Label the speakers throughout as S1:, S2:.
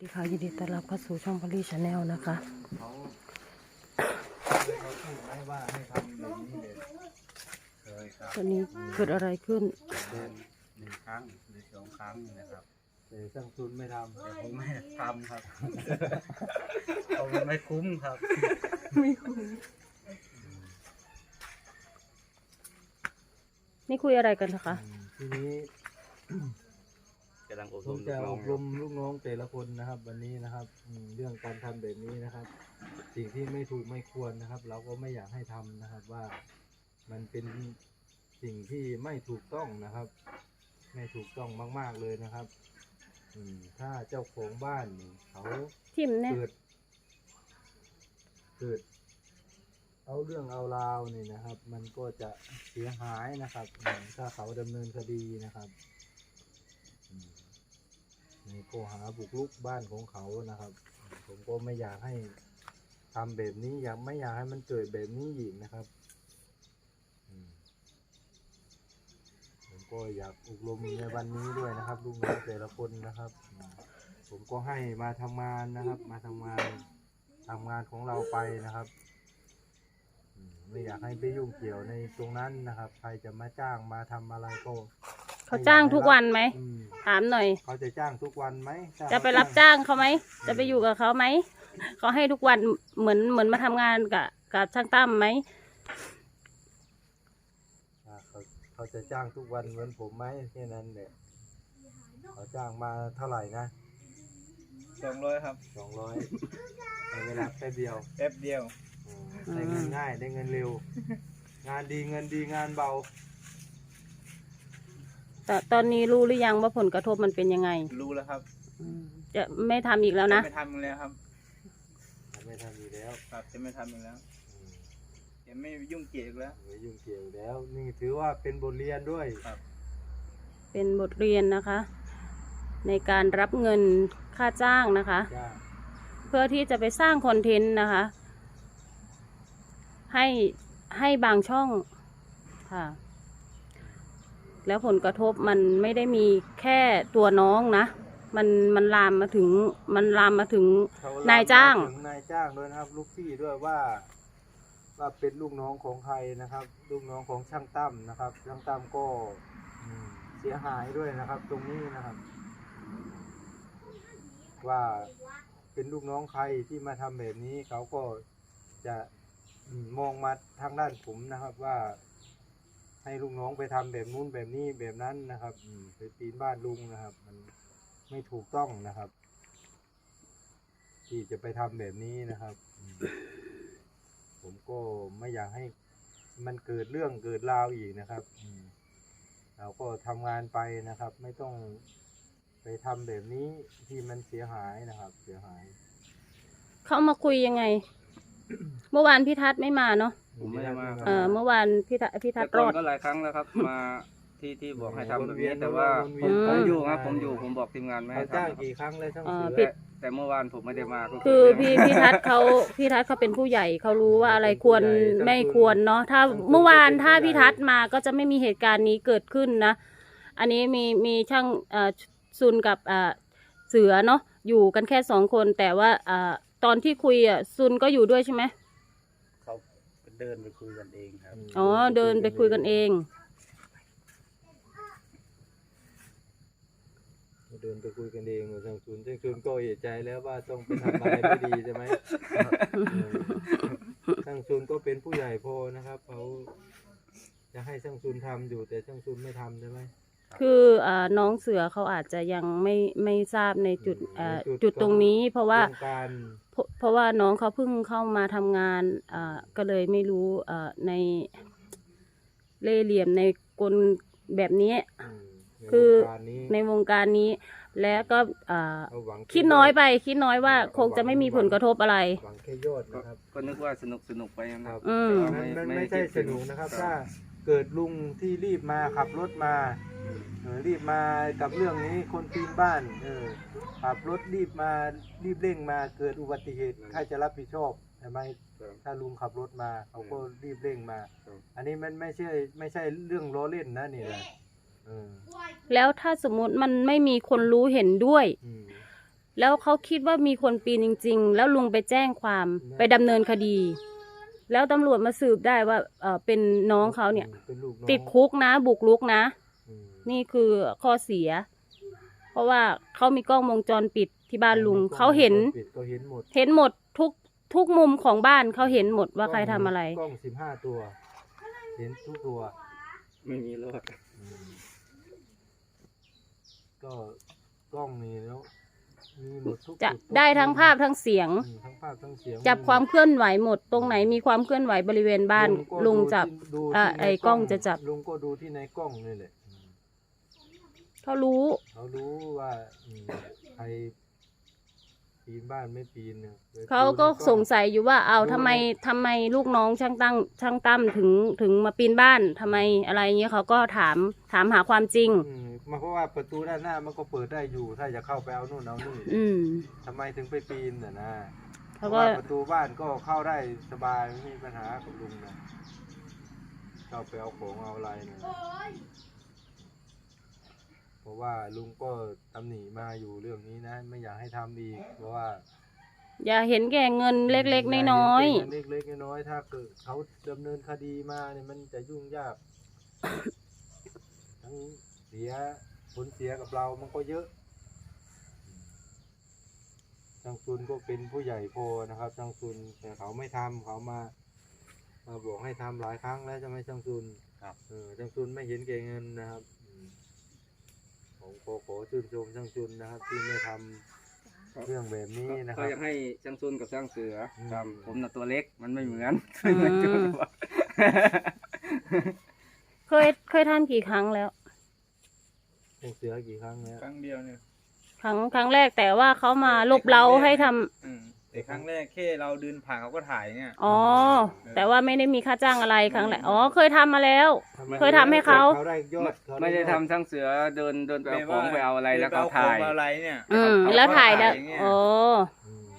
S1: ดีค่ะยินดีต้อนรับเข้าสู่ช่องพอลลี่ชาแนลนะคะ
S2: เขาพูดไหมว่าให้ทำแบบนี้เลยเคยครับ
S1: ตอนนี้เกิดอะไรขึ้น
S2: เดือน1 ครั้งหรือ2 ครั้งนะครับแต่ช่างทุนไม่ทำแต่ผมไม่ทำครับ เพราะมันไม่คุ้มครับ
S1: ไม่คุยนี่คุยอะไรกันนะคะ
S2: ทีนี้ผมจะอบรมลูกน้องแต่ละคนนะครับ วันนี้นะครับเรื่องการทำแบบนี้นะครับ สิ่งที่ไม่ถูกไม่ควรนะครับ เราก็ไม่อยากให้ทำนะครับว่ามันเป็นสิ่งที่ไม่ถูกต้องนะครับ ไม่ถูกต้องมากๆเลยนะครับถ้าเจ้าของบ้านเขา
S1: ทิมเนี่ย
S2: เกิดเอาเรื่องเอาราวนี่นะครับ มันก็จะเสียหายนะครับถ้าเขาดำเนินคดีนะครับในข้อหาบุกรุกบ้านของเขานะครับ ผมก็ไม่อยากให้ทำแบบนี้ไม่อยากให้มันเกิดแบบนี้อีกนะครับผมก็อยากอบรมในวันนี้ด้วยนะครับลูกน้องแต่ละคนนะครับผมก็ให้มาทำงานนะครับ มาทำงานของเราไปนะครับไม่อยากให้ไปยุ่งเกี่ยวในตรงนั้นนะครับใครจะมาจ้างมาทำอะไรก็
S1: เขาจ้างทุกวันไหมถามหน่อย
S2: เขาจะจ้างทุกวันไหม
S1: จะไปรับจ้างเขาไหมจะไปอยู่กับเขาไหมเขาให้ทุกวันเหมือนมาทำงานกับช่างตั้มไหม
S2: เขาจะจ้างทุกวันเหมือนผมไหมแค่นั้นแหละเขาจ้างมาเท่าไหร่นะ
S3: 200ครับ
S2: 200ในเวลาแป๊บเดียวได้เงินง่ายได้เงินเร็วงานดีเงินดีงานเบา
S1: แต่ตอนนี้รู้หรือยังว่าผลกระทบมันเป็นยังไง
S3: รู้แล้วครับ
S1: จะไม่ทำอีกแล้วนะ
S3: ไม่ทำอีกแล้วครับ
S2: ไม่ทำอีกแล้ว
S3: ครับจะไม่ทำอีกแล้วจะไม่ยุ่งเกี่ยวแล้ว
S2: ไม่ยุ่งเกี่ยวแล้วนี่ถือว่าเป็นบทเรียนด้วย
S3: ครับ
S1: เป็นบทเรียนนะคะ ในการรับเงินค่าจ้างนะคะเพื่อที่จะไปสร้างคอนเทนต์นะคะให้บางช่องค่ะแล้วผลกระทบมันไม่ได้มีแค่ตัวน้องนะมันลามมาถึงนายจ้าง
S2: ด้วยนะครับลูกพี่ด้วยว่าเป็นลูกน้องของใครนะครับลูกน้องของช่างตั้มนะครับช่างตั้มก็เสียหายด้วยนะครับตรงนี้นะครับว่าเป็นลูกน้องใครที่มาทำแบบนี้เขาก็จะมองมาทางด้านผมนะครับว่าให้ลูกน้องไปทำแบบนู้นแบบนี้แบบนั้นนะครับไปปีนบ้านลุงนะครับมันไม่ถูกต้องนะครับที่จะไปทำแบบนี้นะครับผมก็ไม่อยากให้มันเกิดเรื่องเกิดราวอีกนะครับเราก็ทำงานไปนะครับ ไม่ต้องไปทำแบบนี้ที่มันเสียหายนะครับเสียหาย
S1: เขามาคุยยังไง เมื่อวานพี่ทัศน์ไม่มาเนาะ
S3: ผมไม่ได้มา
S1: เมื่อวานพี่ทัศน์รอด
S3: ก็หลายครั้งแล้วครับมาที่บอกให้ทำแบบนี้แต่ว่าผมอยู่ครับผมบอกทีมงานไม่ให้ทำ
S2: จ้างกี่ครั้งเลยทั้ง
S3: แต่เมื่อวานผมไม่ได้มา
S1: คือพี่ทัศน์เขาเป็นผู้ใหญ่เขารู้ว่าอะไรควรไม่ควรเนาะถ้าเมื่อวานถ้าพี่ทัศน์มาก็จะไม่มีเหตุการณ์นี้เกิดขึ้นนะอันนี้มีช่างซุนกับเสือเนาะอยู่กันแค่2 คนแต่ว่าตอนที่คุยซุนก็อยู่ด้วยใช่ไหม
S3: เขาเดินไปคุยกันเองครับ
S1: อ๋อเดินไปคุยกันเอง
S2: เดินไปคุยกันเองช่างซุนก็เอะใจแล้วว่าต้องไปทำอะไรไม่ดีใช่ไหมช่างซุนก็เป็นผู้ใหญ่พอนะครับเขาจะให้ช่างซุนทำอยู่แต่ช่างซุนไม่ทำใช่ไหม
S1: คือน้องเสือเขาอาจจะยังไม่ทราบในจุดตรงนี้เพราะว่าน้องเขาเพิ่งเข้ามาทำงานก็เลยไม่รู้ในเล่ห์เหลี่ยมในกลแบบนี้คือในวงการนี้แล้วก็คิดน้อยว่าคงจะไม่มีผลกระทบอะไร
S2: หวังแค่ยอดนะครับ
S3: ก็นึกว่าสนุกไปนะครับ
S2: ไม่ใช่สนุกนะครับถ้าเกิดลุงที่รีบมาขับรถมารีบมากับเรื่องนี้คนปีนบ้านขับรถรีบเร่งมาเกิดอุบัติเหตุใครจะรับผิดชอบใช่ไหมถ้าลุงขับรถมาเขาก็รีบเร่งมาอันนี้มันไม่ใช่เรื่องล้อเล่นนะนี่แหละ
S1: แล้วถ้าสมมุติมันไม่มีคนรู้เห็นด้วยแล้วเขาคิดว่ามีคนปีนจริง ๆ แล้วลุงไปแจ้งความไปดำเนินคดี แล้วตำรวจมาสืบได้ว่าเป็นน้องเขาเนี่ย
S2: เป็นลูกน้อง
S1: ติดคุกนะบุกรุกนะ
S2: อืม
S1: นี่คือข้อเสีย เพราะว่าเขามีกล้องวงจรปิดที่บ้านลุงเขาเห็น
S2: เขาเห็นหมด
S1: เห็นหมดทุกมุมของบ้านเขาเห็นหมดว่าใครทำอะไร
S2: กล้อง15 ตัว เห็นทุกตัว
S3: ไม่มีรอด
S2: อืมก็กล้องนี่แล้วมีหมดทุก
S1: จะ
S2: จุทุก
S1: ได้ทั้ง
S2: มุม
S1: ภาพทั้งเสียง
S2: ทั้งภาพทั้งเสียง
S1: จับความเคลื่อนไหวหมด ตรงไหนมีความเคลื่อนไหวบริเวณบ้าน
S2: ก็
S1: ลุงจับ
S2: ดู
S1: อ่ะ
S2: ที่ใน
S1: ไอ้กล้องจะจับ
S2: ลุงก็ดูที่ในกล้องนี่แหละ
S1: เขารู้
S2: เขารู้ว่าใครปีนบ้านไม่ปีนเนี่ย
S1: เขาก็
S2: ดูในล้อ
S1: สงสัยอยู่ว่าเอาทำไมลูกน้องช่างตั้มถึงมาปีนบ้านทำไมอะไรเงี้ยเขาก็ถามหาความจริง
S2: มาเพราะว่าประตูด้านหน้ามันก็เปิดได้อยู่ ถ้าจะเข้าไปเอานู่นเอานี่
S1: อืม
S2: ทำไมถึงไปปีนน่ะนะเพ
S1: เขา
S2: ราะ
S1: ก็
S2: ว่าประตูบ้านก็เข้าได้สบายไม่มีปัญหากับลุงนะเข้าไปเอาของเอาอะไรเนี่ยเพราะว่าลุงก็ตำหนิมาอยู่เรื่องนี้นะ ไม่อยากให้ทำอีกเพราะว่า
S1: อย่าเห็นแก่เงินเล็กๆน้อย
S2: เล็กๆน้อยๆถ้าเกิดเขาดำเนินคดีมาเนี่ยมันจะยุ่งยาก ทั้งเสียผลเสียกับเรามันก็เยอะจังซุนก็เป็นผู้ใหญ่พอนะครับจังซุนแต่เขาไม่ทำเขามาบอกให้ทำหลายครั้งแล้วจะไม่จังซุนครับจังซุนไม่เห็นแก่เงินนะครับผมขอชื่นชมจังซุนนะครับ ที่ไม่ทำเรื่องแบบนี้นะค
S3: ก็
S2: รับ
S3: อยากให้ช่างซุนกับช่างเสือ
S2: อืม
S3: ครับผมน่ะตัวเล็กมันไม่เหมือน
S1: ๆอืมเคยทำกี่ครั้งแล้ว
S2: จังเสือกี่ครั้งแล้ว
S4: ครั้งเดียวเนี่ย
S1: ครั้งแรกแต่ว่าเขามาลบเราให้ทำ
S4: แต่ครั้งแรกแค่เราเดินผ่านเขาก็ถ่ายเนี่ย
S1: อ๋อ แต่ว่าไม่ได้มีค่าจ้างอะไรครั้งแรกอ๋อเคยทำมาแล้ว เคยทำให้เขา
S2: ได้ยอดเขา
S3: ไม่ได้
S2: ยอ
S3: ทำช่างเสือเดินไปเอาของไปเอาอะไรแล้วก็
S4: เดินป
S3: ถ่าย
S4: เอของอะไรเนี่ย
S1: แล้วถ่ายได้
S4: อย่างเงี้ย
S1: อ๋อ
S2: อืม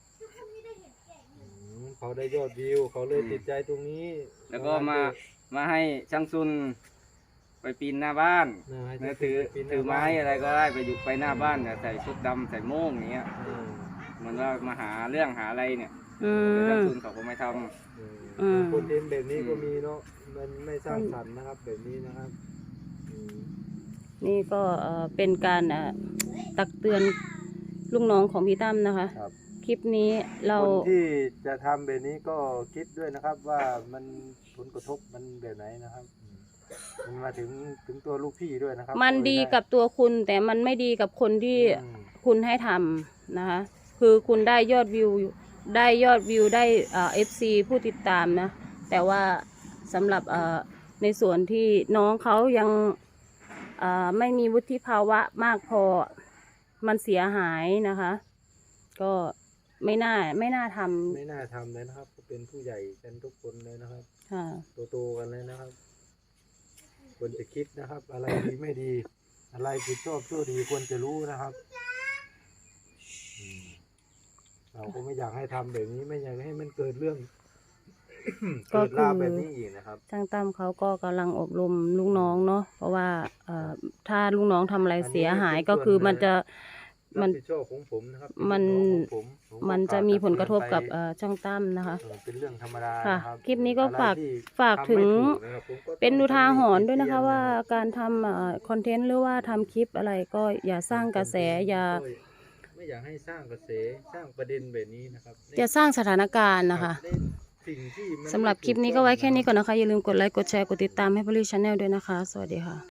S2: เขาได้ยอดวิวเขาเลยติดใจตรงนี้
S3: แล้วก็มาให้ช่างซุนไปปีนหน้าบ้าน
S2: ให้
S3: แล้ว
S2: ปีน
S3: ถือไม้อะไรก็ได้ไปอยู่ไปหน้าบ้านเนี่ยใส่ชุดดำใส่โม่งอย่างเงี้ย
S2: อืม
S3: เหมันว่ามาหาเรื่องหาอะไรเนี่ย
S1: อื
S3: แต่ช่าง
S1: ม
S3: ซุนเขาก็ไม่ทำ
S1: อืม
S2: คนเล่นแบบนี้ก็มีเนาะมันไม่สร้างสรรค์นะครับ แบบนี้นะครับอืม
S1: นี่ก็เป็นการตักเตือนลูกน้องของพี่ตั้มนะคะ
S2: ครับ
S1: คลิปนี้เรา
S2: คนที่จะทำแบบนี้ก็คิดด้วยนะครับ ว่ามันผลกระทบมันแบบไหนนะครับมันมาถึงตัวลูกพี่ด้วยนะครับ
S1: มันดีกับตัวคุณ แต่มันไม่ดีกับคนที่
S2: อืม
S1: คุณให้ทำนะคะ คือคุณได้ยอดวิวได้FC ผู้ติดตามนะ แต่ว่าสำหรับในส่วนที่น้องเขายังไม่มีวุฒิภาวะมากพอมันเสียหายนะคะ ก็ไม่น่าท
S2: ไม่น่าทำเลยนะครับก็เป็นผู้ใหญ่กันทุกคนเลยนะครับ
S1: ำค่ะ
S2: โตๆกันเลยนะครับควรจะคิดนะครับ อะไรดีไม่ดี อะไรผิดชอบชั่วดีควรจะรู้นะครับอืมเราก็ไม่อยากให้ทำแบบนี้ไม่อยากให้มันเกิดเรื่อง
S1: ก็
S2: เกิด
S1: คือ
S2: ราวแบบนี้อีกนะครับ
S1: ช่างตั้มเขาก็กำลังอบรมลูกน้องเนาะเพราะว่าถ้าลูกน้องทำอะไรเสียหายก็คือมันจะ
S2: รับผิดชอบของผมนะครับ
S1: มัน
S2: เป็นของผม
S1: มันจะมีผลกระทบกับ
S2: ไป
S1: ช่างตั้มนะคะ
S2: เป็นเรื่องธรรมดา
S1: ค่ะ
S2: นะครับ
S1: คลิปนี้ก็
S2: อะไรที่
S1: ฝากถึง
S2: ทำไม่ถูกนะครับผมก็ต้อง
S1: เป็นอุทาหรณ์ด้วยนะคะ
S2: เตือ
S1: ว่าการทำคอนเทนต์หรือว่าทำคลิปอะไรก็อย่าสร้างกระแสอย่า
S2: ไม่อยากให้สร้างกระแสสร้างประเด็นแบบนี้นะครับ
S1: อย่าสร้างสถานการณ์นะคะ
S2: ในสิ่งที่มัน
S1: สำหรับคลิปนี้ก็ไว้แค่นี้ก่อนนะคะ อย่าลืมกดไลค์กดแชร์กดติดตามให้พลีชาแนลด้วยนะคะ สวัสดีค่ะ